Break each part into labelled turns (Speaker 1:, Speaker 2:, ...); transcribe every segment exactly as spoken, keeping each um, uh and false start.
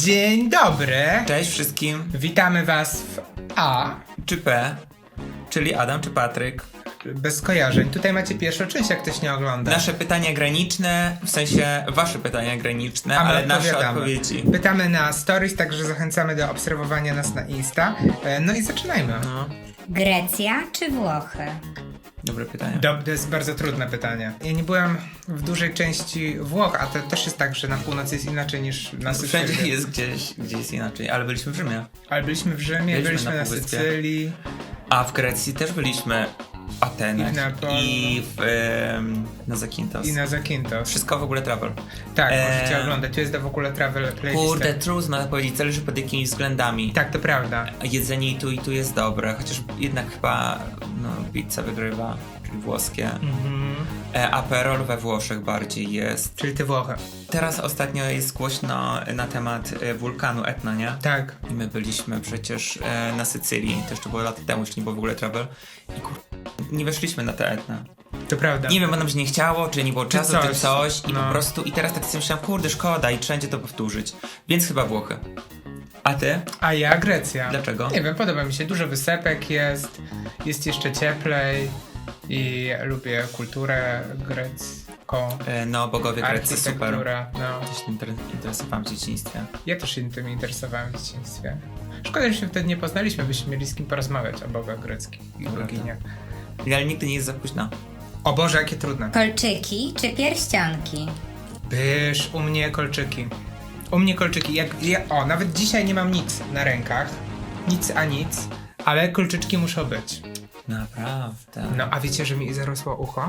Speaker 1: Dzień dobry!
Speaker 2: Cześć wszystkim.
Speaker 1: Witamy was w A.
Speaker 2: Czy P, czyli Adam czy Patryk.
Speaker 1: Bez skojarzeń. Tutaj macie pierwszą część, jak ktoś nie ogląda.
Speaker 2: Nasze pytania graniczne, w sensie wasze pytania graniczne,
Speaker 1: A my
Speaker 2: ale nasze
Speaker 1: odpowiadamy.
Speaker 2: odpowiedzi.
Speaker 1: Pytamy na stories, także zachęcamy do obserwowania nas na Insta. E, No i zaczynajmy.
Speaker 2: No,
Speaker 3: Grecja czy Włochy?
Speaker 2: dobre pytanie.
Speaker 1: Dob- to jest bardzo trudne pytanie. Ja nie byłem w dużej części Włoch, a to też jest tak, że na północy jest inaczej niż na Sycylii.
Speaker 2: Wszędzie jest gdzieś, gdzieś jest inaczej, ale byliśmy w Rzymie.
Speaker 1: Ale byliśmy w Rzymie,
Speaker 2: Byliśmy
Speaker 1: byliśmy,
Speaker 2: na
Speaker 1: na,
Speaker 2: Półwyspie.
Speaker 1: Sycylii.
Speaker 2: A w Grecji też byliśmy w Atenach
Speaker 1: I w Neapolu.
Speaker 2: i w, em, na Zakintos.
Speaker 1: I na Zakintos.
Speaker 2: Wszystko w ogóle travel.
Speaker 1: Tak,
Speaker 2: Eee.
Speaker 1: możecie oglądać. Tu jest w ogóle travel playlist.
Speaker 2: Kurde, trudno powiedzieć, zależy pod jakimiś względami.
Speaker 1: Tak, to prawda.
Speaker 2: Jedzenie i tu i tu jest dobre, chociaż jednak chyba no, pizza wygrywa, czyli włoskie.
Speaker 1: Mhm.
Speaker 2: E, Aperol we Włoszech bardziej jest.
Speaker 1: Czyli ty Włochy.
Speaker 2: Teraz ostatnio jest głośno na temat e, wulkanu Etna, nie?
Speaker 1: Tak.
Speaker 2: I my byliśmy przecież e, na Sycylii, to jeszcze było lata temu, jeszcze nie było w ogóle travel. I kur... nie weszliśmy na te Etna.
Speaker 1: To prawda.
Speaker 2: Nie wiem, bo nam się nie chciało, czy nie było
Speaker 1: Czy
Speaker 2: czasu,
Speaker 1: coś.
Speaker 2: czy coś. I
Speaker 1: No.
Speaker 2: po prostu, i teraz tak sobie myślałem, kurde, szkoda i wszędzie to powtórzyć. Więc chyba Włochy. A ty?
Speaker 1: A ja Grecja.
Speaker 2: Dlaczego?
Speaker 1: Nie wiem, podoba mi się. Dużo wysepek jest, jest jeszcze cieplej i lubię kulturę grecką.
Speaker 2: E, no, bogowie Grecji, super.
Speaker 1: Architektura, no.
Speaker 2: Gdzieś się inter- interesowałem w dzieciństwie.
Speaker 1: Ja też się tym interesowałem w dzieciństwie. Szkoda, że się wtedy nie poznaliśmy, byśmy mieli z kim porozmawiać o bogach greckich i
Speaker 2: Dobra,
Speaker 1: boginiach.
Speaker 2: Ale nigdy nie jest za późno.
Speaker 1: O Boże, jakie trudne.
Speaker 3: Kolczyki czy pierścionki?
Speaker 1: Byż, u mnie kolczyki. U mnie kolczyki. Jak, ja, o, nawet dzisiaj nie mam nic na rękach. Nic a nic, ale kolczyczki muszą być.
Speaker 2: Naprawdę.
Speaker 1: No, a wiecie, że mi zarosło ucho?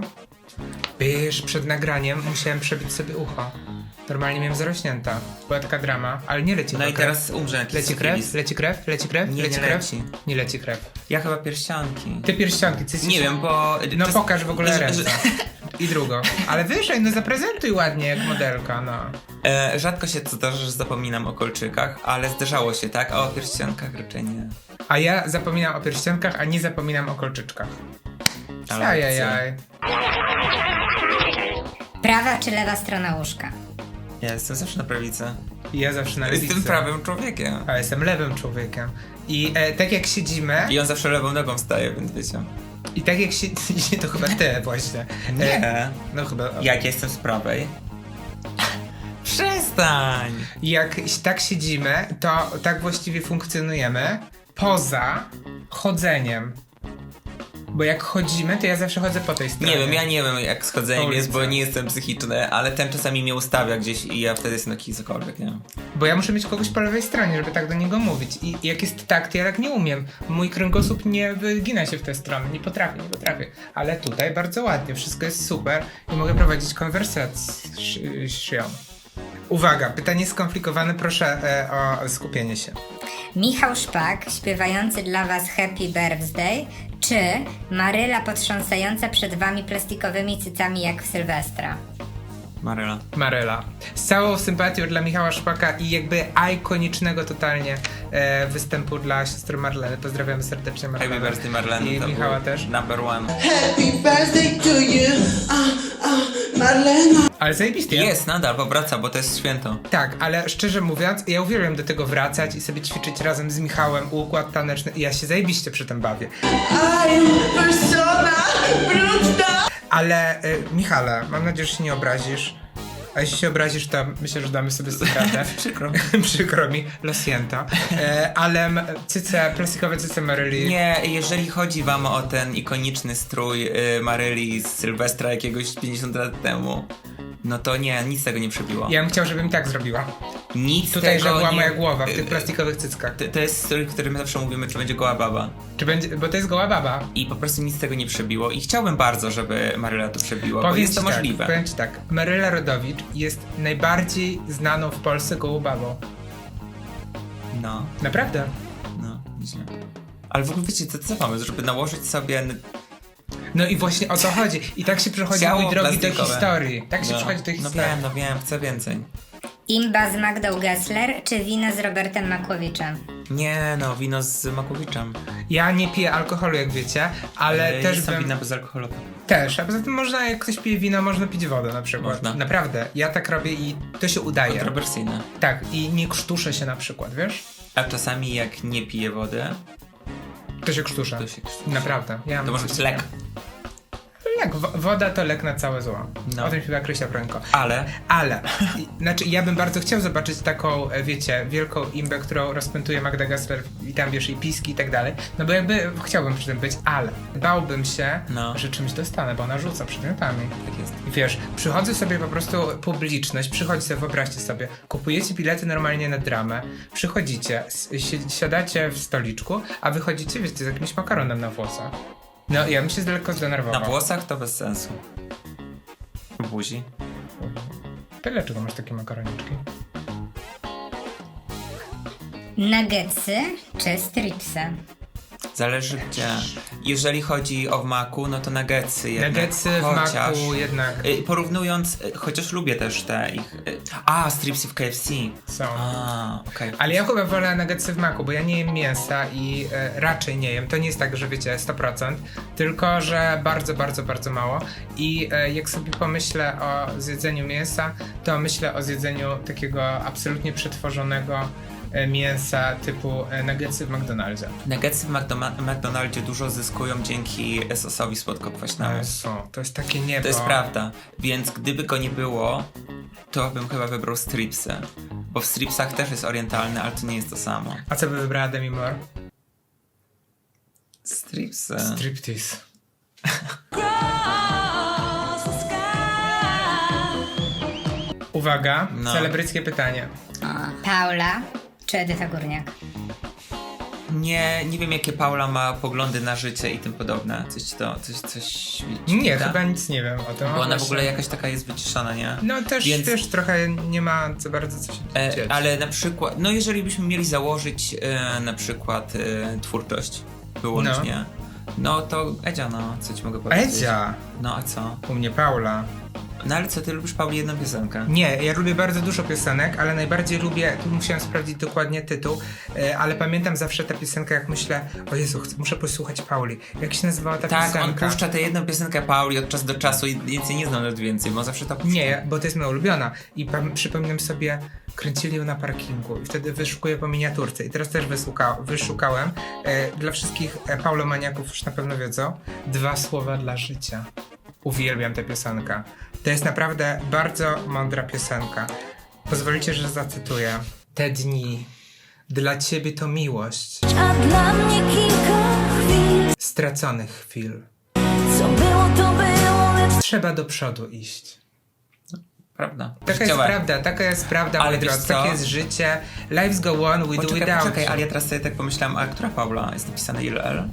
Speaker 1: Byż, przed nagraniem musiałem przebić sobie ucho. Normalnie miałem zarośnięta. Była taka drama, ale nie leci
Speaker 2: No i
Speaker 1: krew.
Speaker 2: teraz umrze jakiś
Speaker 1: Leci krew?
Speaker 2: syfilis.
Speaker 1: Leci krew? Leci krew?
Speaker 2: Nie,
Speaker 1: leci
Speaker 2: nie
Speaker 1: krew?
Speaker 2: leci.
Speaker 1: Nie leci krew.
Speaker 2: Ja chyba pierścionki.
Speaker 1: Ty pierścionki, ty jesteś...
Speaker 2: Nie wiem, bo...
Speaker 1: No
Speaker 2: czas-
Speaker 1: pokaż w ogóle
Speaker 2: że-
Speaker 1: ręce.
Speaker 2: że-
Speaker 1: I drugą. Ale wyżej, no zaprezentuj ładnie jak modelka, no.
Speaker 2: E, rzadko się zdarza, że zapominam o kolczykach, ale zdarzało się, tak? A o pierścionkach raczej nie.
Speaker 1: A ja zapominam o pierścionkach, a nie zapominam o kolczyczkach.
Speaker 2: Ale
Speaker 1: Ajajaj.
Speaker 3: Prawa czy lewa strona łóżka?
Speaker 2: Ja jestem zawsze na prawicy.
Speaker 1: I ja zawsze na lewicy.
Speaker 2: Jestem prawym człowiekiem.
Speaker 1: A jestem lewym człowiekiem. I e, tak jak siedzimy...
Speaker 2: I on zawsze lewą nogą wstaje, więc wiecie.
Speaker 1: I tak jak się... To chyba ty właśnie. E,
Speaker 2: Nie.
Speaker 1: no chyba...
Speaker 2: Jak jestem z prawej? Przestań!
Speaker 1: Jak tak siedzimy, to tak właściwie funkcjonujemy poza chodzeniem. Bo jak chodzimy, to ja zawsze chodzę po tej stronie.
Speaker 2: Nie wiem, ja nie wiem jak z chodzeniem
Speaker 1: Ulica.
Speaker 2: jest, bo nie jestem psychiczny, ale ten czasami mnie ustawia gdzieś i ja wtedy jestem taki cokolwiek, nie wiem.
Speaker 1: Bo ja muszę mieć kogoś po lewej stronie, żeby tak do niego mówić. I jak jest tak, to ja tak nie umiem. Mój kręgosłup nie wygina się w tę stronę. Nie potrafię, nie potrafię. Ale tutaj bardzo ładnie, wszystko jest super i mogę prowadzić konwersację. Uwaga, pytanie skomplikowane, proszę e, o skupienie się.
Speaker 3: Michał Szpak śpiewający dla was Happy Birthday czy Maryla potrząsająca przed wami plastikowymi cycami jak w Sylwestra?
Speaker 2: Maryla.
Speaker 1: Maryla. Z całą sympatią dla Michała Szpaka i jakby ikonicznego totalnie e, występu dla siostry Marleny. Pozdrawiamy serdecznie Marlenę.
Speaker 2: Happy birthday Marleny.
Speaker 1: I
Speaker 2: to
Speaker 1: Michała
Speaker 2: był
Speaker 1: też.
Speaker 2: Number one.
Speaker 4: Happy birthday to you, uh, uh, Marlena.
Speaker 1: Ale zajebisty. ja-
Speaker 2: Jest, nadal powraca, bo to jest święto.
Speaker 1: Tak, ale szczerze mówiąc, ja uwielbiam do tego wracać i sobie ćwiczyć razem z Michałem układ taneczny i ja się zajebiście przy tym bawię.
Speaker 4: I'm persona brudna.
Speaker 1: Ale y, Michale, mam nadzieję, że się nie obrazisz. A jeśli się obrazisz, to myślę, że damy sobie z tym radę.
Speaker 2: Przykro.
Speaker 1: Przykro mi, lo siento. E, ale m- cyce, plastikowe cyce Maryli.
Speaker 2: Nie, jeżeli chodzi wam o ten ikoniczny strój y, Maryli z Sylwestra jakiegoś pięćdziesiąt lat temu, no to nie, nic tego nie przebiło.
Speaker 1: Ja bym chciał, żebym tak zrobiła.
Speaker 2: Nic
Speaker 1: Tutaj,
Speaker 2: tego
Speaker 1: że była
Speaker 2: nie...
Speaker 1: moja głowa w tych
Speaker 2: y,
Speaker 1: plastikowych cyckach.
Speaker 2: To, to jest strój, w którym zawsze mówimy, czy będzie goła baba.
Speaker 1: Czy będzie, bo to jest goła baba.
Speaker 2: I po prostu nic tego nie przebiło. I chciałbym bardzo, żeby Maryla to przebiła, bo
Speaker 1: Powiem
Speaker 2: jest
Speaker 1: ci
Speaker 2: to
Speaker 1: tak,
Speaker 2: możliwe.
Speaker 1: powiem ci tak, Maryla Rodowicz jest najbardziej znaną w Polsce gołą babą.
Speaker 2: No,
Speaker 1: Naprawdę.
Speaker 2: no, nieźle. Ale w ogóle wiecie, co, co pomysł, żeby nałożyć sobie... n-
Speaker 1: No i właśnie o to chodzi. I tak się przechodzi
Speaker 2: Ciało
Speaker 1: mój drogi do
Speaker 2: plastikowe.
Speaker 1: historii. Tak się
Speaker 2: no,
Speaker 1: przechodzi do
Speaker 2: no
Speaker 1: historii.
Speaker 2: wiem, no wiem, chcę więcej.
Speaker 3: Imba z Magdą Gessler czy wino z Robertem Makłowiczem?
Speaker 2: Nie no, wino z Makowiczem.
Speaker 1: Ja nie piję alkoholu, jak wiecie, ale
Speaker 2: E,
Speaker 1: też
Speaker 2: jest tam
Speaker 1: bym...
Speaker 2: wina bezalkoholowe.
Speaker 1: Też, a poza tym można, jak ktoś pije wino, można pić wodę na przykład.
Speaker 2: Można.
Speaker 1: Naprawdę, ja tak robię i to się udaje.
Speaker 2: Kontrowersyjne.
Speaker 1: Tak, i nie krztuszę się na przykład, wiesz?
Speaker 2: A czasami jak nie piję wody,
Speaker 1: To się krztuszę.
Speaker 2: to się krztusi.
Speaker 1: Naprawdę. Ja
Speaker 2: To
Speaker 1: mam
Speaker 2: może
Speaker 1: coś
Speaker 2: być lek.
Speaker 1: takiego. Lek, wo- woda to lek na całe zło.
Speaker 2: No.
Speaker 1: O tym chyba Krysia Brońko.
Speaker 2: Ale
Speaker 1: Ale, i- znaczy ja bym bardzo chciał zobaczyć taką, e, wiecie, wielką imbę, którą rozpętuje Magda Gessler i tam wiesz, i piski i tak dalej. No bo jakby chciałbym przy tym być, ale bałbym się,
Speaker 2: No.
Speaker 1: że czymś dostanę, bo ona rzuca przedmiotami.
Speaker 2: tak jest.
Speaker 1: I wiesz, przychodzę sobie po prostu, publiczność, przychodzi sobie, wyobraźcie sobie, kupujecie bilety normalnie na dramę, przychodzicie, s- si- siadacie w stoliczku, a wychodzicie, wiecie, z jakimś makaronem na włosach. No ja bym się lekko zdenerwował.
Speaker 2: Na włosach to bez sensu. W buzi.
Speaker 1: To dlaczego masz takie makaroniczki?
Speaker 3: Nuggetsy czy stripsy?
Speaker 2: Zależy gdzie. Jeżeli chodzi o w maku, no to nuggetsy jednak.
Speaker 1: Nuggetsy w
Speaker 2: Chociaż,
Speaker 1: maku jednak
Speaker 2: y, porównując, y, chociaż lubię też te ich... y, A, stripsy w K F C.
Speaker 1: są.
Speaker 2: A, okej.
Speaker 1: Ale ja chyba wolę nuggetsy w maku, bo ja nie jem mięsa i e, raczej nie jem. To nie jest tak, że wiecie, sto procent, tylko że bardzo, bardzo, bardzo mało. I e, jak sobie pomyślę o zjedzeniu mięsa, to myślę o zjedzeniu takiego absolutnie przetworzonego e, mięsa typu e, nuggetsy w McDonaldzie.
Speaker 2: Nuggetsy w McDo- McDonaldzie dużo zyskują dzięki sosowi słodkokwaśnemu.
Speaker 1: No, są. To jest takie niebo.
Speaker 2: To jest prawda. Więc gdyby go nie było, to bym chyba wybrał stripsy. Bo w stripsach też jest orientalny, ale to nie jest to samo.
Speaker 1: A co by wybrała Demi Moore?
Speaker 2: Stripsy.
Speaker 1: Striptease. Uwaga,
Speaker 2: No.
Speaker 1: celebryckie pytanie.
Speaker 3: O, Paula czy Edyta Górniak?
Speaker 2: Nie, nie wiem jakie Paula ma poglądy na życie i tym podobne. Coś ci to, coś, coś ci
Speaker 1: Nie,
Speaker 2: da?
Speaker 1: chyba nic nie wiem o tym.
Speaker 2: Bo ona w
Speaker 1: Właśnie.
Speaker 2: ogóle jakaś taka jest wyciszona, nie?
Speaker 1: No też,
Speaker 2: Więc-
Speaker 1: wiesz, trochę nie ma za bardzo co się
Speaker 2: E,
Speaker 1: dziać.
Speaker 2: ale na przykład, no jeżeli byśmy mieli założyć e, na przykład e, twórczość wyłącznie, no. to Edzia, no, co ci mogę powiedzieć?
Speaker 1: Edzia!
Speaker 2: No a co?
Speaker 1: U mnie Paula.
Speaker 2: No ale co, ty lubisz Pauli jedną piosenkę?
Speaker 1: Nie, ja lubię bardzo dużo piosenek, ale najbardziej lubię, tu musiałem sprawdzić dokładnie tytuł, e, ale pamiętam zawsze tę piosenkę, jak myślę, o Jezu, chcę, muszę posłuchać Pauli. Jak się nazywała ta
Speaker 2: Tak, on
Speaker 1: piosenka?
Speaker 2: puszcza tę jedną piosenkę Pauli od czasu do czasu i więcej nie znam nawet więcej, bo zawsze to puszcza.
Speaker 1: Nie, bo to jest moja ulubiona. I pam- przypominam sobie, kręcili ją na parkingu i wtedy wyszukuję po miniaturce. I teraz też wysłuka- wyszukałem. E, dla wszystkich e, paulomaniaków już na pewno wiedzą. Dwa słowa dla życia. Uwielbiam tę piosenkę. To jest naprawdę bardzo mądra piosenka. Pozwolicie, że zacytuję. Te dni, dla ciebie to miłość.
Speaker 5: A dla mnie kilka chwil,
Speaker 1: Straconych chwil.
Speaker 5: co było to było, lecz
Speaker 1: Trzeba do przodu iść.
Speaker 2: Prawda.
Speaker 1: Taka jest
Speaker 2: Życiowe.
Speaker 1: prawda, taka jest prawda,
Speaker 2: Ale
Speaker 1: moi
Speaker 2: wiesz
Speaker 1: drodzy.
Speaker 2: co?
Speaker 1: Takie jest życie. Lives go on, we do
Speaker 2: Poczekaj,
Speaker 1: without
Speaker 2: poczekaj,
Speaker 1: you.
Speaker 2: ale ja teraz sobie tak pomyślałem, a która Paula? Jest napisane ile L?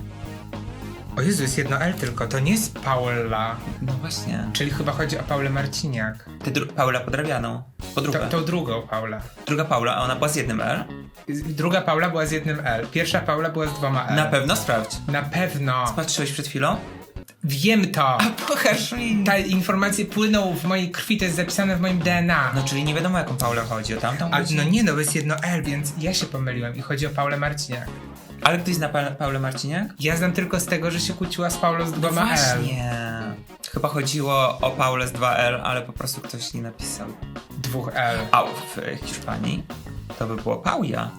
Speaker 1: O Jezu, jest jedno L tylko, to nie jest Paula.
Speaker 2: No właśnie.
Speaker 1: Czyli chyba chodzi o Paulę Marciniak.
Speaker 2: Ty dru- Paula Podrabianą. Podróbę.
Speaker 1: To, tą drugą Paulę.
Speaker 2: Druga Paula, a ona była z jednym L?
Speaker 1: Druga Paula była z jednym L. Pierwsza Paula była z dwoma L.
Speaker 2: Na pewno sprawdź.
Speaker 1: Na pewno.
Speaker 2: Patrzyłeś przed chwilą?
Speaker 1: Wiem to.
Speaker 2: Pokaż mi.
Speaker 1: Te informacje płyną w mojej krwi, to jest zapisane w moim D N A.
Speaker 2: No czyli nie wiadomo jaką Paulę chodzi, o tamtą
Speaker 1: A,
Speaker 2: chodzi?
Speaker 1: no nie, no jest jedno L, więc ja się pomyliłem i chodzi o Paulę Marciniak.
Speaker 2: Ale ktoś zna pa- Paulę Marciniak?
Speaker 1: Ja znam tylko z tego, że się kłóciła z Paulą z dwoma L.
Speaker 2: Właśnie. Chyba chodziło o Paulę z dwa L, ale po prostu ktoś nie napisał.
Speaker 1: Dwóch L.
Speaker 2: A w Hiszpanii to by było Pauja.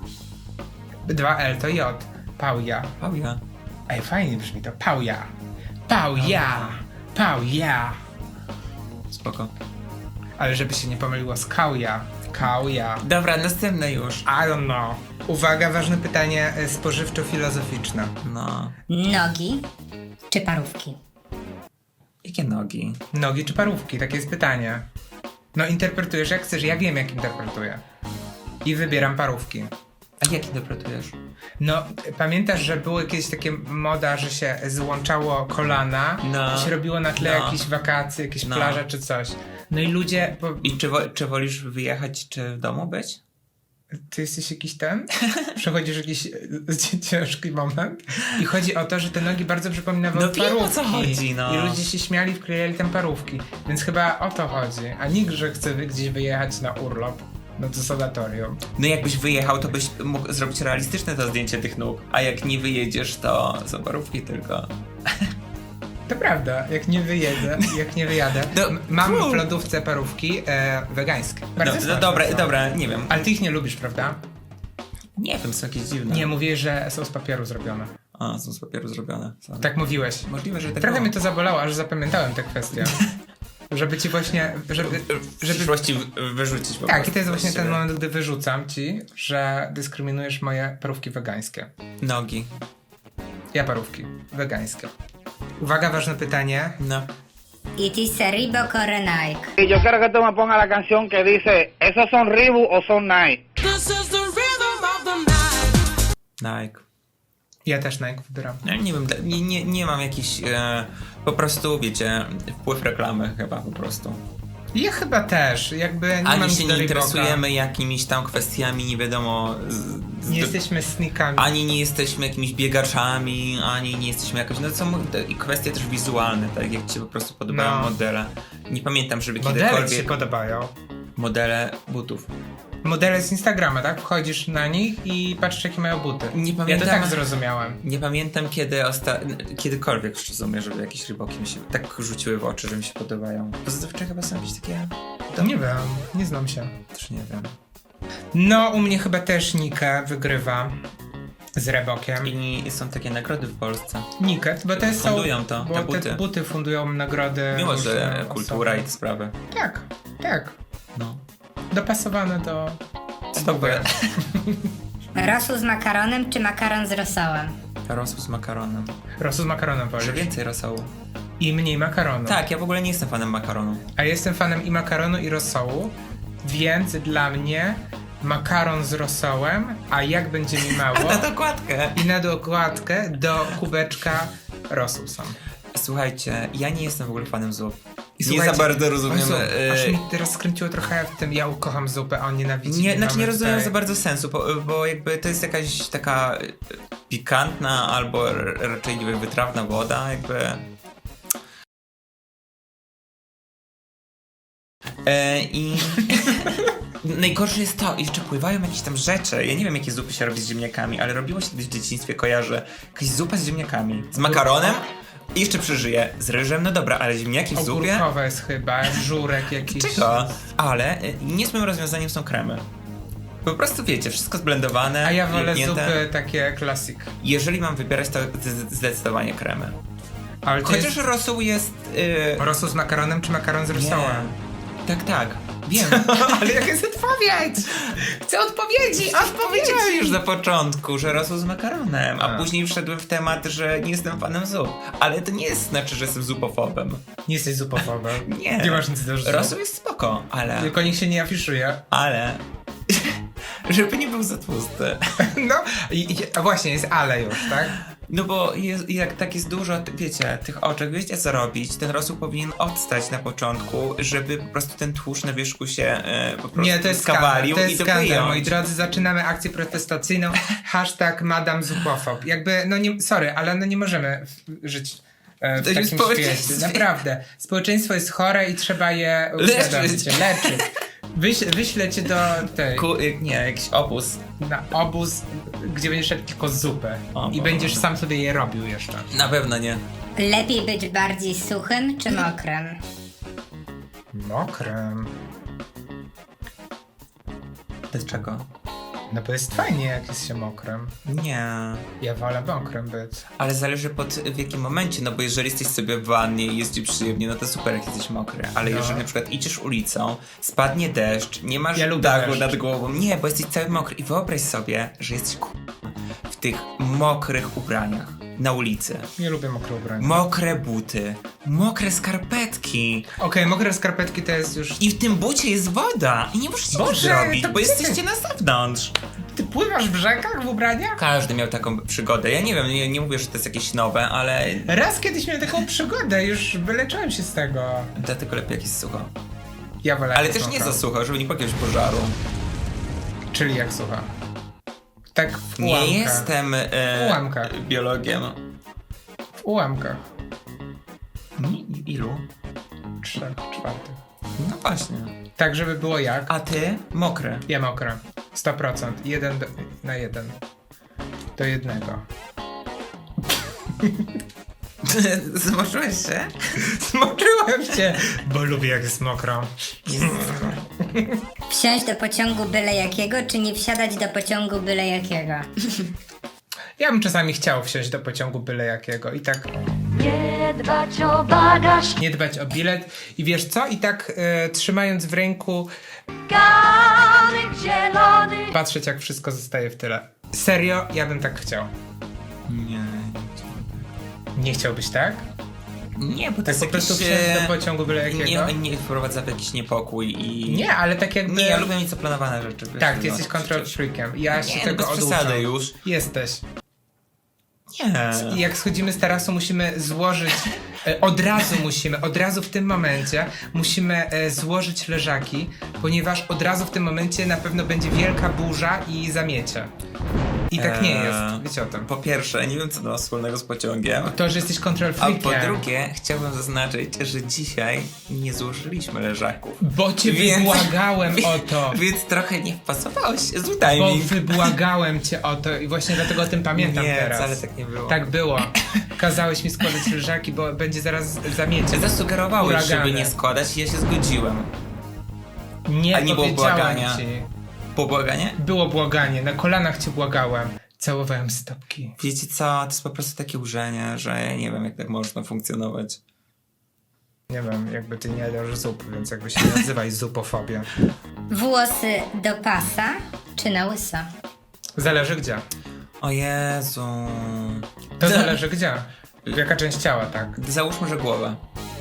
Speaker 1: Dwa L to J. Pauja.
Speaker 2: Pauja.
Speaker 1: Ej, fajnie brzmi to. Pauja. Pauja. Pauja.
Speaker 2: Spoko.
Speaker 1: Ale żeby się nie pomyliło z kauja. Kauja.
Speaker 2: Dobra, następne już.
Speaker 1: I don't know. Uwaga, ważne pytanie e, spożywczo-filozoficzne.
Speaker 2: No.
Speaker 3: Nogi czy parówki?
Speaker 2: Jakie nogi?
Speaker 1: Nogi czy parówki? Takie jest pytanie. No interpretujesz jak chcesz, ja wiem jak interpretuję. I wybieram parówki.
Speaker 2: A jak interpretujesz?
Speaker 1: No, pamiętasz, że były kiedyś takie moda, że się złączało kolana
Speaker 2: No.
Speaker 1: i się robiło na tle
Speaker 2: No.
Speaker 1: jakieś wakacje, jakieś
Speaker 2: No.
Speaker 1: plaże czy coś. No i ludzie... Po...
Speaker 2: I czy, wo- czy wolisz wyjechać, czy w domu być?
Speaker 1: Ty jesteś jakiś ten? Przechodzisz jakiś e, ciężki moment? I chodzi o to, że te nogi bardzo przypominały
Speaker 2: No wiem,
Speaker 1: parówki.
Speaker 2: o co chodzi, no.
Speaker 1: I ludzie się śmiali, wklejali tam parówki. Więc chyba o to chodzi. A nikt, że chce wy- gdzieś wyjechać na urlop. No to sanatorium.
Speaker 2: No jakbyś wyjechał, to byś mógł zrobić realistyczne to zdjęcie tych nóg, a jak nie wyjedziesz, to są parówki tylko.
Speaker 1: To prawda, jak nie wyjedę, jak nie wyjadę.
Speaker 2: No,
Speaker 1: M- Mam
Speaker 2: fu.
Speaker 1: w lodówce parówki e, wegańskie.
Speaker 2: No,
Speaker 1: Bardzo
Speaker 2: no
Speaker 1: smaczne
Speaker 2: dobra,
Speaker 1: są.
Speaker 2: dobra, nie wiem.
Speaker 1: Ale ty ich nie lubisz, prawda?
Speaker 2: Nie wiem, są jakieś dziwne.
Speaker 1: Nie, mówiłeś, że są z papieru zrobione.
Speaker 2: A, są z papieru zrobione. Są.
Speaker 1: Tak mówiłeś.
Speaker 2: Możliwe, że tak
Speaker 1: Trochę
Speaker 2: było.
Speaker 1: mnie to zabolało, aż zapamiętałem tę kwestię. Żeby ci właśnie, żeby,
Speaker 2: W
Speaker 1: żeby...
Speaker 2: przyszłości w- wyrzucić po
Speaker 1: Tak,
Speaker 2: prostu
Speaker 1: i to jest właśnie
Speaker 2: z
Speaker 1: ten
Speaker 2: siebie.
Speaker 1: moment, gdy wyrzucam ci, że dyskryminujesz moje parówki wegańskie.
Speaker 2: Nogi.
Speaker 1: Ja parówki wegańskie. Uwaga, ważne pytanie.
Speaker 2: No.
Speaker 3: It is a Reebok or a Nike.
Speaker 6: Y yo quiero que tú me pongas la canción que dice, ¿esos son Reebok o son Nike?
Speaker 2: Nike.
Speaker 1: Ja też Nike wybieram.
Speaker 2: Ja nie wiem, dla- nie, nie, nie mam jakiś e, po prostu, wiecie, wpływ reklamy chyba po prostu.
Speaker 1: Ja chyba też, jakby nie mam
Speaker 2: Ani
Speaker 1: nic
Speaker 2: się
Speaker 1: do
Speaker 2: nie
Speaker 1: Reeboka.
Speaker 2: interesujemy jakimiś tam kwestiami, nie wiadomo... Z, z,
Speaker 1: Nie jesteśmy sneakami.
Speaker 2: Ani nie jesteśmy jakimiś biegaczami, ani nie jesteśmy jakoś... No to są te- i kwestie też wizualne, tak jak ci się po prostu podobają
Speaker 1: No.
Speaker 2: modele. Nie pamiętam, żeby
Speaker 1: Modele ci się
Speaker 2: kiedykolwiek...
Speaker 1: podobają.
Speaker 2: Modele butów.
Speaker 1: Modele z Instagrama, tak? Wchodzisz na nich i patrzysz, jakie mają buty.
Speaker 2: Nie
Speaker 1: Ja
Speaker 2: pamiętam.
Speaker 1: to tak zrozumiałem.
Speaker 2: Nie pamiętam kiedy osta... kiedykolwiek w sumie, żeby jakieś ryboki mi się tak rzuciły w oczy, że mi się podobają. Pozytywcze chyba są jakieś takie...
Speaker 1: To nie wiem, nie znam się.
Speaker 2: Też nie wiem.
Speaker 1: No, u mnie chyba też Nike wygrywa z Reebokiem.
Speaker 2: I są takie nagrody w Polsce.
Speaker 1: Nike, bo te są...
Speaker 2: Fundują to,
Speaker 1: bo
Speaker 2: te
Speaker 1: te
Speaker 2: buty.
Speaker 1: buty fundują nagrody.
Speaker 2: Mimo,
Speaker 1: różne
Speaker 2: że
Speaker 1: osoby.
Speaker 2: kultura i te sprawy.
Speaker 1: Tak, tak.
Speaker 2: No.
Speaker 1: Dopasowane do...
Speaker 2: Stopy.
Speaker 3: Rosół z makaronem czy makaron z rosołem?
Speaker 2: Rosół z makaronem.
Speaker 1: Rosół z makaronem
Speaker 2: Może
Speaker 1: wolisz.
Speaker 2: więcej rosołu.
Speaker 1: I mniej makaronu.
Speaker 2: Tak, ja w ogóle nie jestem fanem makaronu.
Speaker 1: A jestem fanem i makaronu, i rosołu, więc dla mnie makaron z rosołem, a jak będzie mi mało,
Speaker 2: Na dokładkę.
Speaker 1: i na dokładkę do kubeczka rosół sam.
Speaker 2: Słuchajcie, ja nie jestem w ogóle fanem zup.
Speaker 1: I
Speaker 2: nie
Speaker 1: słuchajcie,
Speaker 2: za bardzo rozumiem...
Speaker 1: Jezu,
Speaker 2: e,
Speaker 1: aż mi teraz skręciło trochę w tym, ja ukocham zupę, a on nienawidzi.
Speaker 2: Nie,
Speaker 1: i
Speaker 2: znaczy nie
Speaker 1: mamy
Speaker 2: rozumiem
Speaker 1: tutaj-
Speaker 2: za bardzo sensu, bo, bo jakby to jest jakaś taka e, pikantna albo r- raczej nie wiem, wytrawna woda, jakby... E, I najgorsze jest to, jeszcze pływają jakieś tam rzeczy. Ja nie wiem, jakie zupy się robi z ziemniakami, ale robiło się kiedyś w dzieciństwie, kojarzę, jakaś zupa z ziemniakami, z makaronem i jeszcze przeżyję, z ryżem, no dobra, ale ziemniaki w zupie?
Speaker 1: Ogórkowe jest chyba, żurek jakiś.
Speaker 2: Czego? Ale y, niezłym rozwiązaniem są kremy. Po prostu wiecie, wszystko zblendowane.
Speaker 1: A ja wolę
Speaker 2: jebnięte.
Speaker 1: zupy takie klasik.
Speaker 2: Jeżeli mam wybierać, to z- zdecydowanie kremy.
Speaker 1: Ale to
Speaker 2: Chociaż
Speaker 1: jest
Speaker 2: rosół jest... Yy...
Speaker 1: rosół z makaronem czy makaron z rosołem?
Speaker 2: Tak, tak. Wiem.
Speaker 1: Ale jaka jest odpowiedź? Chcę odpowiedzi,
Speaker 2: Powiedziałem już na początku, że rosół z makaronem, a,
Speaker 1: A.
Speaker 2: później wszedłem w temat, że nie jestem fanem zup. Ale to nie jest znaczy, że jestem zupofobem.
Speaker 1: Nie jesteś zupofobem.
Speaker 2: Nie.
Speaker 1: Nie masz nic do zup.
Speaker 2: Rosół jest spoko, ale...
Speaker 1: Tylko nikt się nie afiszuje.
Speaker 2: Ale... żeby nie był za tłusty.
Speaker 1: No, i, i, a właśnie, jest ale już, tak?
Speaker 2: No bo jest, jak tak jest dużo, ty- wiecie, tych oczek, wiecie co robić, ten rosół powinien odstać na początku, żeby po prostu ten tłuszcz na wierzchu się e, po prostu
Speaker 1: Nie, to jest skandal,
Speaker 2: skawalił
Speaker 1: to
Speaker 2: i
Speaker 1: jest
Speaker 2: to
Speaker 1: skandal,
Speaker 2: wyjąć.
Speaker 1: moi drodzy, zaczynamy akcję protestacyjną, hashtag Madame Zupofob. Jakby, no nie, sorry, ale no nie możemy w, żyć e, w
Speaker 2: To jest
Speaker 1: takim
Speaker 2: społeczeństwie.
Speaker 1: świecie, naprawdę. Społeczeństwo jest chore i trzeba je
Speaker 2: Leczyć.
Speaker 1: uświadomić, leczyć. Wyś, wyślę cię do tej,
Speaker 2: Ku, y, nie, jakiś opus.
Speaker 1: na obóz, gdzie będziesz szedł tylko zupę
Speaker 2: O
Speaker 1: i
Speaker 2: Boże.
Speaker 1: będziesz sam sobie je robił jeszcze.
Speaker 2: Na pewno nie.
Speaker 3: Lepiej być bardziej suchym czy mokrym?
Speaker 1: Mokrem.
Speaker 2: Dlaczego?
Speaker 1: No bo jest fajnie, jak jest się mokrem.
Speaker 2: Nie.
Speaker 1: Ja wolę mokrem być.
Speaker 2: Ale zależy pod w jakim momencie, no bo jeżeli jesteś sobie w wannie i jest ci przyjemnie, no to super jak jesteś mokry. Ale
Speaker 1: No.
Speaker 2: jeżeli na przykład idziesz ulicą, spadnie deszcz, nie masz
Speaker 1: Ja lubię
Speaker 2: dachu
Speaker 1: deszcz.
Speaker 2: nad głową, nie, bo jesteś cały mokry i wyobraź sobie, że jesteś ku... w tych mokrych ubraniach na ulicy.
Speaker 1: Nie lubię mokre ubrania.
Speaker 2: Mokre buty, mokre skarpetki
Speaker 1: Okej, mokre skarpetki to jest już...
Speaker 2: i w tym bucie jest woda i nie możesz nic
Speaker 1: Boże,
Speaker 2: zrobić,
Speaker 1: to
Speaker 2: bo
Speaker 1: gdzie
Speaker 2: jesteście na zewnątrz.
Speaker 1: Ty pływasz w rzekach w ubraniach?
Speaker 2: Każdy miał taką przygodę. Ja nie wiem, nie, nie mówię, że to jest jakieś nowe, ale
Speaker 1: Raz kiedyś miałem taką przygodę, już wyleczyłem się z tego.
Speaker 2: dlatego lepiej jak jest sucho.
Speaker 1: Ja wolę
Speaker 2: Ale
Speaker 1: jak
Speaker 2: też nie
Speaker 1: sucho.
Speaker 2: za sucho, żeby nie było jakiegoś pożaru.
Speaker 1: Czyli jak sucha. Tak w
Speaker 2: Nie
Speaker 1: ułamkach.
Speaker 2: jestem e,
Speaker 1: W ułamkach.
Speaker 2: biologiem.
Speaker 1: W ułamkach.
Speaker 2: I- Ilu?
Speaker 1: Trzech, czwartych.
Speaker 2: No właśnie.
Speaker 1: Tak, żeby było jak?
Speaker 2: A ty? Mokre.
Speaker 1: Ja mokre. sto procent. Jeden do, na jeden. Do jednego.
Speaker 2: Zmoczyłeś się?
Speaker 1: Zmoczyłem cię, bo lubię jak jest mokro.
Speaker 3: Wsiąść do pociągu byle jakiego, czy nie wsiadać do pociągu byle jakiego?
Speaker 1: Ja bym czasami chciał wsiąść do pociągu byle jakiego i tak
Speaker 5: Nie dbać o bagaż,
Speaker 1: nie dbać o bilet. I wiesz co? I tak e, trzymając w ręku
Speaker 5: ganek zielony.
Speaker 1: patrzeć jak wszystko zostaje w tyle. Serio? Ja bym tak chciał.
Speaker 2: Nie.
Speaker 1: Nie chciałbyś tak?
Speaker 2: Nie, bo to
Speaker 1: Tak
Speaker 2: jest
Speaker 1: po prostu
Speaker 2: jakiś,
Speaker 1: wsiąść
Speaker 2: e,
Speaker 1: do pociągu byle jakiego?
Speaker 2: Nie, nie wprowadza w jakiś niepokój i...
Speaker 1: Nie, ale tak jakby...
Speaker 2: Nie, ja lubię mieć zaplanowane rzeczy. wiesz,
Speaker 1: Tak, ty
Speaker 2: no,
Speaker 1: jesteś control
Speaker 2: przecież.
Speaker 1: freakiem. Ja się
Speaker 2: Nie,
Speaker 1: tego
Speaker 2: bez
Speaker 1: oduczam.
Speaker 2: przesady już.
Speaker 1: Jesteś.
Speaker 2: Nie.
Speaker 1: I jak schodzimy z tarasu, musimy złożyć, e, od razu musimy, od razu w tym momencie musimy e, złożyć leżaki, ponieważ od razu w tym momencie na pewno będzie wielka burza i zamiecie. I tak nie
Speaker 2: Eee,
Speaker 1: jest, wiecie o tym.
Speaker 2: Po pierwsze, nie wiem co to ma wspólnego z pociągiem.
Speaker 1: To, że jesteś control
Speaker 2: A
Speaker 1: freakiem.
Speaker 2: po drugie, chciałbym zaznaczyć, że dzisiaj nie złożyliśmy leżaków.
Speaker 1: Bo cię
Speaker 2: Więc-
Speaker 1: wybłagałem o to.
Speaker 2: Więc trochę nie wpasowałeś. Zły timing.
Speaker 1: Bo wybłagałem cię o to i właśnie dlatego o tym pamiętam
Speaker 2: Nie,
Speaker 1: teraz.
Speaker 2: wcale tak nie było.
Speaker 1: Tak było. Kazałeś mi składać leżaki, bo będzie zaraz zamiecie.
Speaker 2: Zasugerowałeś,
Speaker 1: Huragany.
Speaker 2: żeby nie składać i ja się zgodziłem.
Speaker 1: Nie,
Speaker 2: A nie było
Speaker 1: powiedziałem
Speaker 2: błagania?
Speaker 1: ci.
Speaker 2: Po błaganie?
Speaker 1: Było błaganie, na kolanach cię błagałem. Całowałem stopki.
Speaker 2: Wiecie co, to jest po prostu takie urzenie, że ja nie wiem jak tak można funkcjonować.
Speaker 1: Nie wiem, jakby ty nie jadasz zup, więc jakby się nie nazywaj zupofobia.
Speaker 3: Włosy do pasa, czy na łyso?
Speaker 1: Zależy gdzie.
Speaker 2: O Jezu.
Speaker 1: To zależy gdzie. Jaka część ciała, tak.
Speaker 2: Załóżmy, że głowa.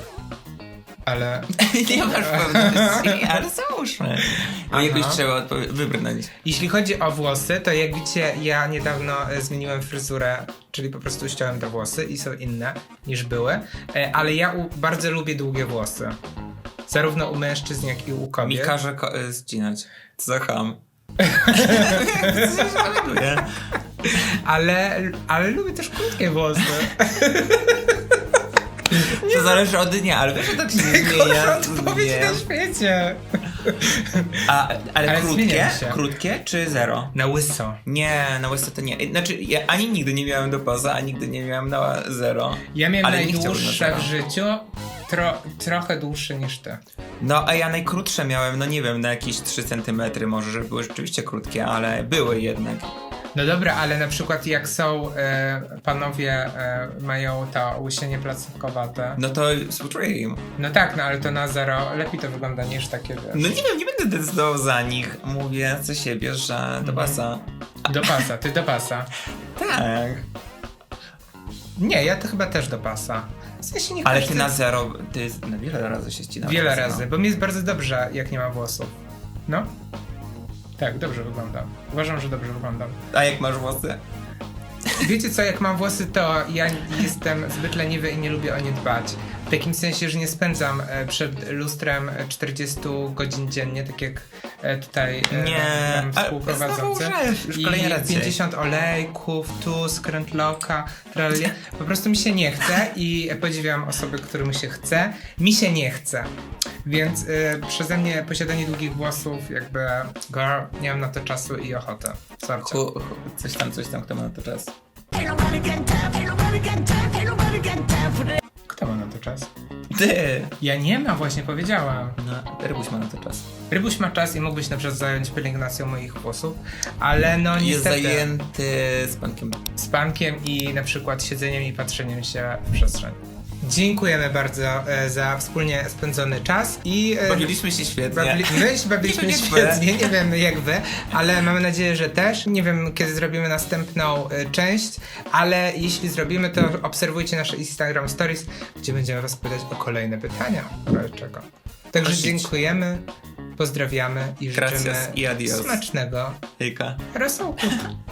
Speaker 1: Ale...
Speaker 2: Nie masz pewności, ale załóżmy. A jakoś
Speaker 1: Aha.
Speaker 2: trzeba odpowie- wybrnąć.
Speaker 1: Jeśli chodzi o włosy, to jak widzicie, ja niedawno e, zmieniłem fryzurę, czyli po prostu ściąłem te włosy i są inne niż były, e, ale ja u, bardzo lubię długie włosy. Zarówno u mężczyzn, jak i u
Speaker 2: Mi
Speaker 1: kobiet.
Speaker 2: każe ko- y, zcinać. Co za ham. Nie?
Speaker 1: Ale, ale lubię też krótkie włosy.
Speaker 2: To zależy od dnia, ale wiesz, że tak się nie zmienia.
Speaker 1: Odpowiedź
Speaker 2: Nie.
Speaker 1: na świecie.
Speaker 2: A, ale,
Speaker 1: Ale
Speaker 2: krótkie?
Speaker 1: zmieniam się.
Speaker 2: Krótkie czy zero?
Speaker 1: Na łyso.
Speaker 2: Nie, na łysce to nie. Znaczy, ja ani nigdy nie miałem do poza, ani nigdy nie miałem na zero.
Speaker 1: Ja miałem
Speaker 2: Ale nie chciałbym na
Speaker 1: najdłuższe
Speaker 2: zero.
Speaker 1: w życiu, tro, trochę dłuższe niż ty.
Speaker 2: No, a ja najkrótsze miałem, no nie wiem, na jakieś trzy centymetry może, że były rzeczywiście krótkie, ale były jednak.
Speaker 1: No dobra, ale na przykład jak są e, panowie e, mają to łysienie placówkowate.
Speaker 2: No to współczuję im.
Speaker 1: No tak, no ale to na zero lepiej to wygląda niż takie, wiesz.
Speaker 2: No nie wiem, nie będę decydował za nich. Mówię za siebie, że do pasa.
Speaker 1: Do pasa, ty do pasa.
Speaker 2: Tak.
Speaker 1: Nie, ja to chyba też do pasa. W sensie nie
Speaker 2: Ale
Speaker 1: każdy-
Speaker 2: ty na zero, ty na wiele razy się ścinałeś.
Speaker 1: Wiele
Speaker 2: na zero.
Speaker 1: razy, bo mi jest bardzo dobrze, jak nie ma włosów. No. Tak, dobrze wyglądam. Uważam, że dobrze wyglądam.
Speaker 2: A jak masz włosy?
Speaker 1: Wiecie co, jak mam włosy, to ja jestem zbyt leniwy i nie lubię o nie dbać. W takim sensie, że nie spędzam e, przed lustrem e, czterdzieści godzin dziennie, tak jak e, tutaj e,
Speaker 2: Nie,
Speaker 1: nam
Speaker 2: ale
Speaker 1: współprowadzący.
Speaker 2: znowu łżesz, już
Speaker 1: I
Speaker 2: kolejny raz dzisiaj.
Speaker 1: pięćdziesiąt olejków, tu, skrętloka, tralia. Po prostu mi się nie chce i podziwiam osoby, którym się chce. Mi się nie chce. Więc y, przeze mnie posiadanie długich włosów, jakby girl, nie mam na to czasu i ochoty. Sorry.
Speaker 2: Chu, chu, coś tam, coś tam, kto ma na to czas.
Speaker 1: Kto ma na to czas?
Speaker 2: Ty!
Speaker 1: Ja nie mam, właśnie powiedziałam.
Speaker 2: No, Rybuś ma na to czas.
Speaker 1: Rybuś ma czas i mógłbyś na przykład zająć pielęgnacją moich włosów, ale no
Speaker 2: Jest
Speaker 1: niestety
Speaker 2: zajęty z pankiem.
Speaker 1: z pankiem i na przykład siedzeniem i patrzeniem się w przestrzeń. Dziękujemy bardzo e, za wspólnie spędzony czas i e,
Speaker 2: Bawiliśmy się świetnie.
Speaker 1: Babli- my się bawiliśmy
Speaker 2: Nie wiem,
Speaker 1: świetnie, nie wiem jak wy, ale mamy nadzieję, że też. Nie wiem, kiedy zrobimy następną y, część, ale jeśli zrobimy, to obserwujcie nasze Instagram Stories, gdzie będziemy was pytać o kolejne pytania. w razie czego. Także
Speaker 2: Prosić.
Speaker 1: dziękujemy, pozdrawiamy i życzymy
Speaker 2: Gracias i adios.
Speaker 1: smacznego
Speaker 2: Hejka.
Speaker 1: rosołku.